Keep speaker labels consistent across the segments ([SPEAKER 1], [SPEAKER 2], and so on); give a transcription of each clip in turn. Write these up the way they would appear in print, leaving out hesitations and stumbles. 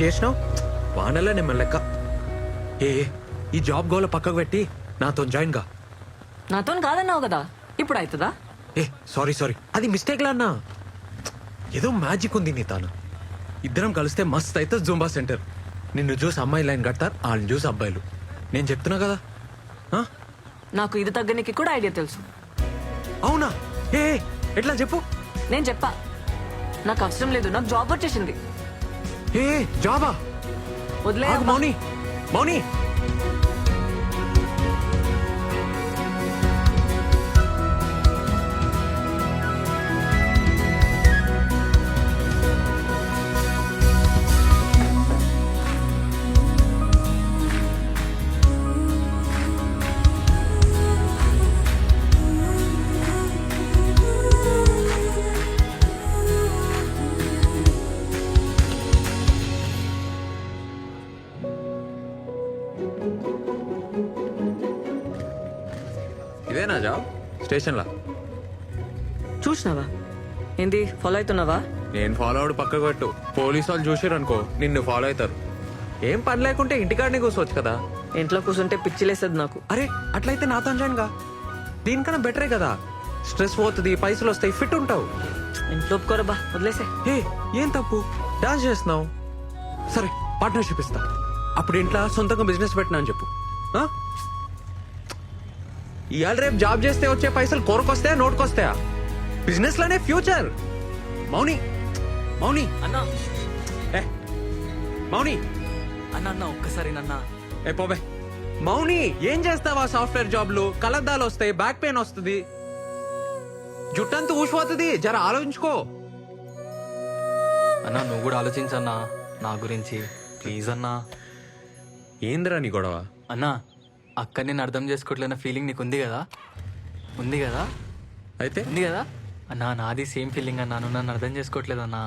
[SPEAKER 1] చేసినావు వానల్లా నేను లెక్క. ఏ ఈ జాబ్ గోల పక్కకు పెట్టి నాతో జాయిన్ గా.
[SPEAKER 2] నాతో కాదన్నావు కదా, ఇప్పుడు అవుతుందా?
[SPEAKER 1] ఏ సారీ అది మిస్టేక్ లా అన్నా. ఏదో మ్యాజిక్ ఉంది నీ తాను. ఇద్దరం కలిస్తే మస్త్ అయితే జూంబా సెంటర్. నిన్ను చూసి అమ్మాయి లైన్ కడతారు, వాళ్ళని చూసి అబ్బాయిలు. నేను చెప్తున్నా కదా.
[SPEAKER 2] నాకు ఇది తగ్గనికి కూడా ఐడియా తెలుసు.
[SPEAKER 1] అవునా? ఏ ఎట్లా చెప్పు.
[SPEAKER 2] నేను చెప్పా, నాకు అవసరం లేదు, నాకు జాబ్ వచ్చేసింది.
[SPEAKER 1] ఏ జాబా?
[SPEAKER 2] వదిలే
[SPEAKER 1] మౌని మౌని ఇదేనా జాబ్? స్టేషన్లా
[SPEAKER 2] చూసినావా? ఏంది ఫాలో అవుతున్నావా?
[SPEAKER 1] నేను ఫాలో అవడు పక్కకు పెట్టు. పోలీసు వాళ్ళు చూసారు అనుకో నిన్ను ఫాలో అవుతారు. ఏం పని లేకుంటే ఇంటికాడనే కూర్చోవచ్చు కదా.
[SPEAKER 2] ఇంట్లో కూర్చుంటే పిచ్చిలేసేది నాకు.
[SPEAKER 1] అరే అట్లయితే నాతో జాయిన్ గా. దీనికన్నా బెటరే కదా. స్ట్రెస్ పోతుంది, పైసలు వస్తాయి, ఫిట్ ఉంటావు.
[SPEAKER 2] ఇంట్లో ఒప్పుకోరా బా, వదిలేసే.
[SPEAKER 1] ఏ ఏం తప్పు, డాన్స్ చేస్తున్నావు. సరే పార్ట్నర్షిప్ ఇస్తా. అప్పుడు ఇంట్లో సొంతంగా బిజినెస్ పెట్టినా అని చెప్పు. ఇవాళ రేపు జాబ్ చేస్తే వచ్చే పైసలు కోరకొస్తాయా, నోటుకొస్తాయా? బిజినెస్ లోనే ఫ్యూచర్. మౌని మౌని
[SPEAKER 2] అన్నా,
[SPEAKER 1] ఏ మౌని
[SPEAKER 2] అన్న ఒక్కసారి నన్న.
[SPEAKER 1] ఏ పోబే. మౌని ఏం చేస్తావా? సాఫ్ట్వేర్ జాబ్లు కలద్దాలు వస్తాయి, బ్యాక్ పెయిన్ వస్తుంది, జుట్టంతా ఊసిపోతుంది. జర ఆలోచించుకో.
[SPEAKER 3] అన్నా నువ్వు కూడా ఆలోచించన్నా నా గురించి, ప్లీజ్ అన్నా.
[SPEAKER 1] ఏందిరా నీ గొడవ?
[SPEAKER 3] అన్నా అక్క నేను అర్థం చేసుకోవట్లేన ఫీలింగ్ నీకు ఉంది కదా? ఉంది కదా?
[SPEAKER 1] అయితే
[SPEAKER 3] ఉంది కదా అన్నా? నాది సేమ్ ఫీలింగ్ అన్నా, నువ్వు నన్ను అర్థం చేసుకోవట్లేదన్నా.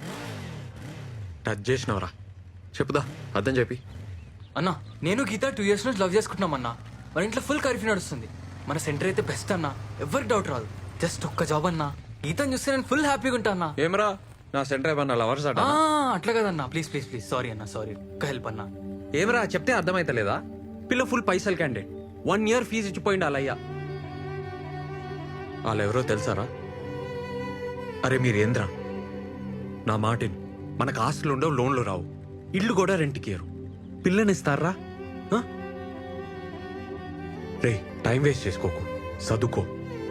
[SPEAKER 1] టచ్ చేసినవరా? చెప్పుదా, అర్థం చెప్పి.
[SPEAKER 3] అన్నా నేను గీత 2 years నుంచి లవ్ చేసుకుంటున్నామన్నా. మన ఇంట్లో ఫుల్ కర్ఫ్యూ నడుస్తుంది. మన సెంటర్ అయితే బెస్ట్ అన్నా, ఎవరికి డౌట్ రాదు. జస్ట్ ఒక్క జాబ్ అన్నా, గీతను చూస్తే నేను ఫుల్ హ్యాపీగా ఉంటా అన్నా.
[SPEAKER 1] ఏమరా నా సెంటర్ ఏమన్నా లవర్స్ అట?
[SPEAKER 3] అట్లా కదన్నా, ప్లీజ్ ప్లీజ్ ప్లీజ్. సారీ అన్నా, సారీ. ఒక్క హెల్ప్ అన్నా.
[SPEAKER 1] ఏమరా చెప్తే అర్థమైతలేదా? పిల్ల ఫుల్ పైసలు క్యాండిడేట్, 1 year ఫీజు ఇచ్చిపోయింది వాళ్ళయ్యా. వాళ్ళెవరో తెలుసారా? అరే మీరేంద్రా, నా మాటిని. మనకు ఆస్తులు ఉండవు, లోన్లు రావు, ఇల్లు కూడా రెంట్కి ఇయ్యరు. పిల్లనిస్తారా? రే టైం వేస్ట్ చేసుకోకు, చదువుకో.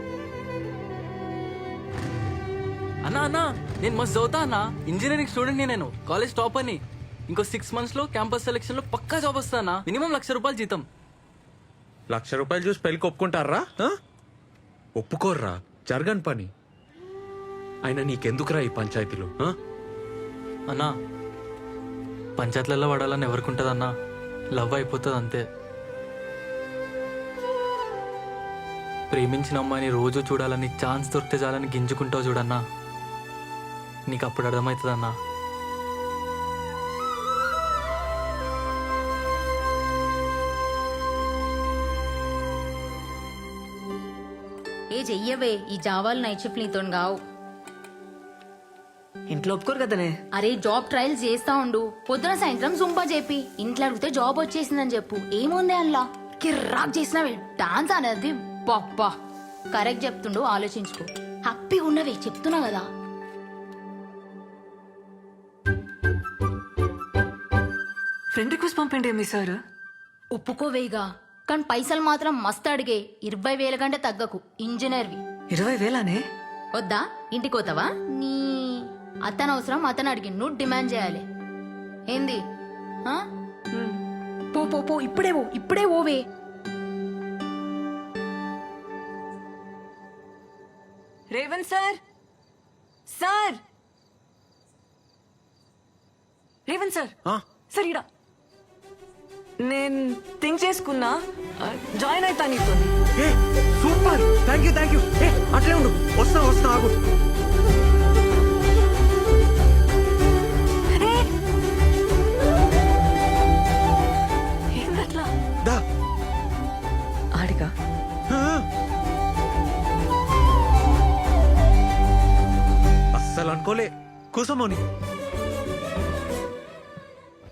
[SPEAKER 3] అన్నా అన్నా నేను మస్తు చదువుతా అన్నా. ఇంజనీరింగ్ స్టూడెంట్ నేను, కాలేజ్ టాప్ అని. ఇంకో 6 months లో క్యాంపస్ సెలెక్షన్ లో పక్కా జాబ్ వస్తానా. మినిమం ₹1,00,000 జీతం.
[SPEAKER 1] ₹1,00,000 చూసి పెళ్లికి ఒప్పుకుంటారా? ఒప్పుకోర్రా, జరగని పని. అయినా నీకెందుకురా ఈ పంచాయతీలు?
[SPEAKER 3] అన్నా పంచాయతీలలో పడాలని ఎవరికి అన్నా? లవ్ అయిపోతుంది అంతే. ప్రేమించిన అమ్మాయిని రోజు చూడాలని, ఛాన్స్ దొరికితే చాలని గింజుకుంటావు చూడన్నా. నీకు అప్పుడు అర్థమవుతుందన్నా.
[SPEAKER 4] ఏ చెయ్యవే, ఈ జావాలు నైట్ షిఫ్ట్ నీతో గావు.
[SPEAKER 2] ఇంట్లో ఒప్పుకోరు కదనే.
[SPEAKER 4] అరే జాబ్ ట్రయల్స్ చేస్తా ఉండు, పొద్దున సాయంత్రం జుంపా చెప్పి ఇంట్లో అడిగితే జాబ్ వచ్చేసిందని చెప్పు. ఏముంది అల్లా కిర్రాక్ చేసినవే డాన్స్ అనేది. బాబ్బా కరెక్ట్ చెప్తుండు, ఆలోచించుకో. హ్యాపీగా ఉన్నవే చెప్తున్నా కదా.
[SPEAKER 2] ఫ్రెండ్ రిక్వెస్ట్ పంపండి మీ సార్.
[SPEAKER 4] ఒప్పుకోవేగా, కానీ పైసలు మాత్రం మస్తు అడిగే. 20,000 కంటే తగ్గకు. ఇంజనీర్వి.
[SPEAKER 2] 20,000నే?
[SPEAKER 4] వద్దా? ఇంటికి పోతావా? నీ అతను అవసరం, అతను అడిగి నువ్వు డిమాండ్ చేయాలి. ఏంది? పో పో పో, ఇప్పుడే ఓవే.
[SPEAKER 2] Revanth sir, sir Revanth sir, sir ఇడా నేను థింక్ చేసుకున్నా, జాయిన్ అవుతా నీతో.
[SPEAKER 1] Super, thank you. అట్లే ఉండు, వస్తా ఆగు.
[SPEAKER 2] ఏందట్లా?
[SPEAKER 1] దా
[SPEAKER 2] ఆడిగా
[SPEAKER 1] అస్సలు అనుకోలే. కూసోమోని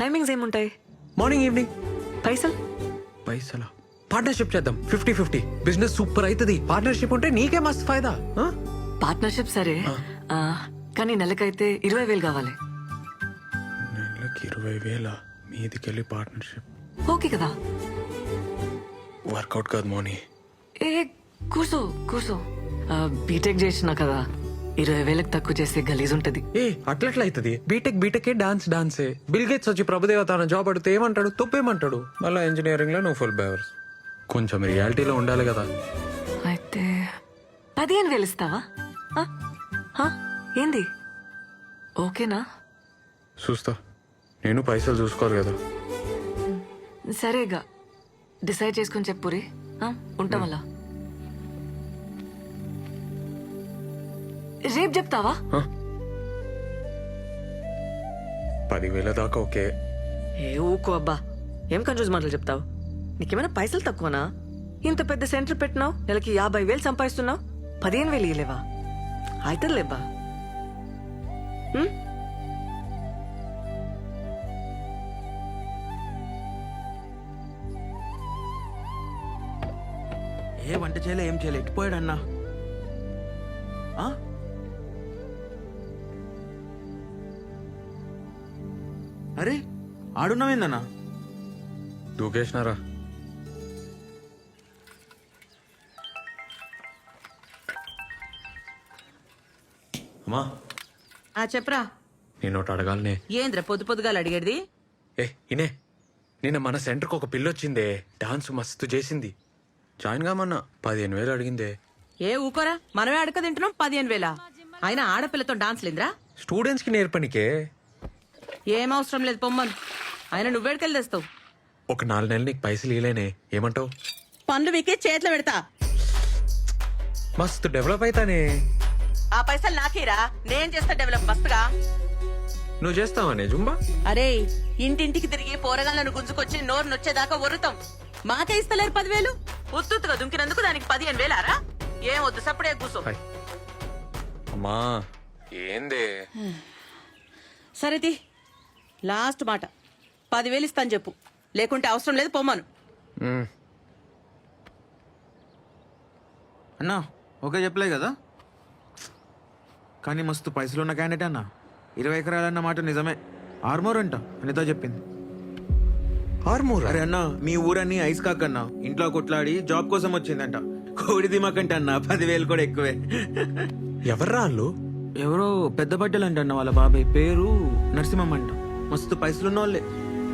[SPEAKER 2] టైమింగ్స్ ఏముంటాయి?
[SPEAKER 1] Morning evening.
[SPEAKER 2] పైసలు?
[SPEAKER 1] పైసలా? పార్ట్నర్షిప్ చేద్దాం 50-50. బిజినెస్ సూపర్ అవుతుంది. పార్ట్నర్షిప్ ఉంటే నీకే మస్తు ఫైదా. ఆ?
[SPEAKER 2] పార్ట్నర్షిప్ సరే, కానీ నెలకైతే 20,000 కావాలి.
[SPEAKER 1] నెలకి 20,000 మీదికెళ్ళి పార్ట్నర్షిప్
[SPEAKER 2] ఓకే కదా?
[SPEAKER 1] వర్కౌట్ కాదు మోని.
[SPEAKER 2] ఏ కూర్చో కూర్చో. బీటెక్ చేసినా కదా, 20,000 తక్కువ చేస్తే గలీజ్ ఉంటది.
[SPEAKER 1] ఏ అట్లట్లా అవుతుంది. బీటెక్ డాన్సే. బిల్ గేట్స్ వచ్చి ప్రభుదేవ తన జాబ్ అడిగితే ఏమంటాడు? తొప్పేమంటాడు. మళ్ళీ ఇంజనీరింగ్ లో నువ్వు ఫుల్ బేవర్స్. కొంచెం రియాలిటీలో ఉండాలి కదా.
[SPEAKER 2] అయితే 15,000 ఇస్తావా? ఆ? ఆ? ఏంది? ఓకేనా?
[SPEAKER 1] చూస్తా. నేను పైసలు చూసుకోవాలి కదా.
[SPEAKER 2] సరేగా, డిసైడ్ చేసుకుని చెప్పురి. ఉంటాం అలా. రేపు చెప్తావా?
[SPEAKER 1] 10,000 దాకా ఓకే.
[SPEAKER 2] ఏ ఊకో అబ్బా, ఏం కన్ఫ్యూజ్ మాటలు చెప్తావు? నీకేమైనా పైసలు తక్కువనా? ఇంత పెద్ద సెంటర్ పెట్టినావు, నెలకి 50,000 సంపాదిస్తున్నావు, 15,000 ఇయ్యలేవా? అవుతుందిలేబ్బా.
[SPEAKER 5] ఏ వంట చేయలే, ఏం చేయలే, ఎట్టిపోయాడన్నా? అరే ఆడున్నావేందన్నా?
[SPEAKER 1] దూకేసినారా?
[SPEAKER 5] అమ్మా
[SPEAKER 6] చెప్పరా.
[SPEAKER 1] నేను ఒకటి అడగాలనే.
[SPEAKER 6] ఏంద్ర పొద్దు పొద్దుగాలు అడిగేది?
[SPEAKER 1] ఇనే నిన్న మన సెంటర్కి ఒక పిల్లొచ్చిందే. డాన్స్ మస్తు చేసింది. జాయిన్ కామన్నా 15,000 అడిగిందే.
[SPEAKER 6] ఏ ఊకోరా, మనమే అడక తింటున్నాం. 15,000 అయినా ఆడపిల్లతో డాన్స్ లేదురా?
[SPEAKER 1] స్టూడెంట్స్ కి నేర్పనికే.
[SPEAKER 6] ఏం అవసరం లేదు, పొమ్మను. ఆయన నువ్వేడికెళ్ళి తెస్తావు?
[SPEAKER 1] ఒక 4 నెలలు నీకు పైసలు ఇలేనే, ఏమంటావు?
[SPEAKER 6] పనులు మీకే చేతిలో పెడతా.
[SPEAKER 1] మస్తు డెవలప్ అవుతానే.
[SPEAKER 6] ఆ పైసలు నాకేరా, నేను చేస్తా డెవలప్ మస్తుగా.
[SPEAKER 1] నువ్వు చేస్తావానే జుంబా?
[SPEAKER 6] అరే, ఇంటింటికి తిరిగి పోరగాళ్ళను గుంజుకొచ్చి నోరు నొచ్చేదాకా ఒరుతాం. మాకే ఇస్తలేరు 10,000. ఉత్తుగా దుంకినందుకు దానికి 15,000రా? ఏం వద్దు, సప్పుడే కూర్చో.
[SPEAKER 1] హాయ్. అమ్మా ఏందే?
[SPEAKER 6] సరేది, లాస్ట్ మాట, 10,000 ఇస్తాను చెప్పు, లేకుంటే అవసరం లేదు, పొమ్మను.
[SPEAKER 5] అన్నా ఓకే చెప్పలే కదా, కానీ మస్తు పైసలు ఉన్న క్యాండిడేట్ అన్నా. 20 ఎకరాలన్న మాట నిజమే. ఆర్మోర్ అంట అనితో చెప్పింది.
[SPEAKER 1] ఆర్మూర్?
[SPEAKER 5] అరే అన్నా, మీ ఊరన్నీ ఐస్ కాక్ అన్నా. ఇంట్లో కొట్లాడి జాబ్ కోసం వచ్చిందంట. కోడి దిమాకంట అన్నా, 10,000 కూడా ఎక్కువే.
[SPEAKER 1] ఎవర్రా వాళ్ళు?
[SPEAKER 5] ఎవరో పెద్ద బట్టలు అంట అన్న, వాళ్ళ బాబాయ్ పేరు నరసింహం అంట. మస్తు పైసలున్న వాళ్ళే.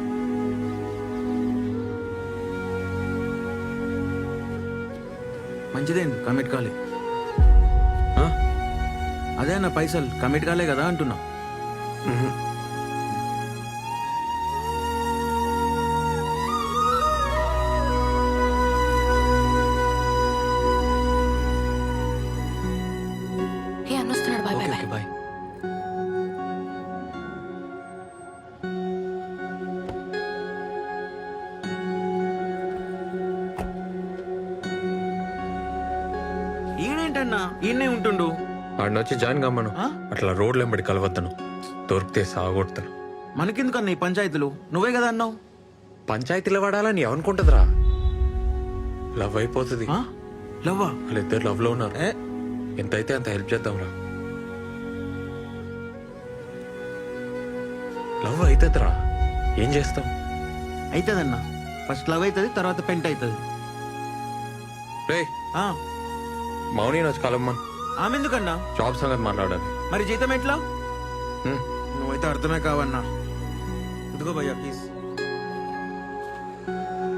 [SPEAKER 5] మంచిదేంది, కమిట్ కాలే. అదే అన్న, పైసలు కమిట్ కాలే కదా అంటున్నా.
[SPEAKER 4] ఏ అన్నొస్తున్నాడు, బాయ్ బాయ్ బాయ్.
[SPEAKER 1] బాయ్.
[SPEAKER 5] ఈయనేంటన్నా ఈయనే ఉంటుండు?
[SPEAKER 1] వాడిని వచ్చి జాయిన్ కమ్మను. అట్లా రోడ్లు వెంబడి కలవద్దను, దొరికితే సాగొడతాను.
[SPEAKER 5] మనకెందుకన్నా ఈ పంచాయతీలు? నువ్వే కదా అన్నావు.
[SPEAKER 1] పంచాయతీలో వాడాలని ఏమనుకుంటుందిరా? లవ్ అయిపోతుంది.
[SPEAKER 5] లవ్వా?
[SPEAKER 1] వాళ్ళిద్దరు లవ్ లో ఉన్నారు. ఎంతైతే అంత హెల్ప్ చేద్దాంరా. లవ్ అవుతుందిరా, ఏం చేస్తాం?
[SPEAKER 5] అవుతుందన్నా. ఫస్ట్ లవ్ అవుతుంది, తర్వాత పెంట్ అవుతుంది.
[SPEAKER 1] రే మౌని వచ్చి కలమ్మన్.
[SPEAKER 5] ఆమె ఎందుకన్నా?
[SPEAKER 1] జాబ్ సంగతి మాట్లాడాలి.
[SPEAKER 5] మరి జీతం ఎట్లా?
[SPEAKER 1] హ్మ్.
[SPEAKER 5] నువ్వైతే అర్థమే కావన్నా. ఇదిగో భయ్యా ప్లీజ్.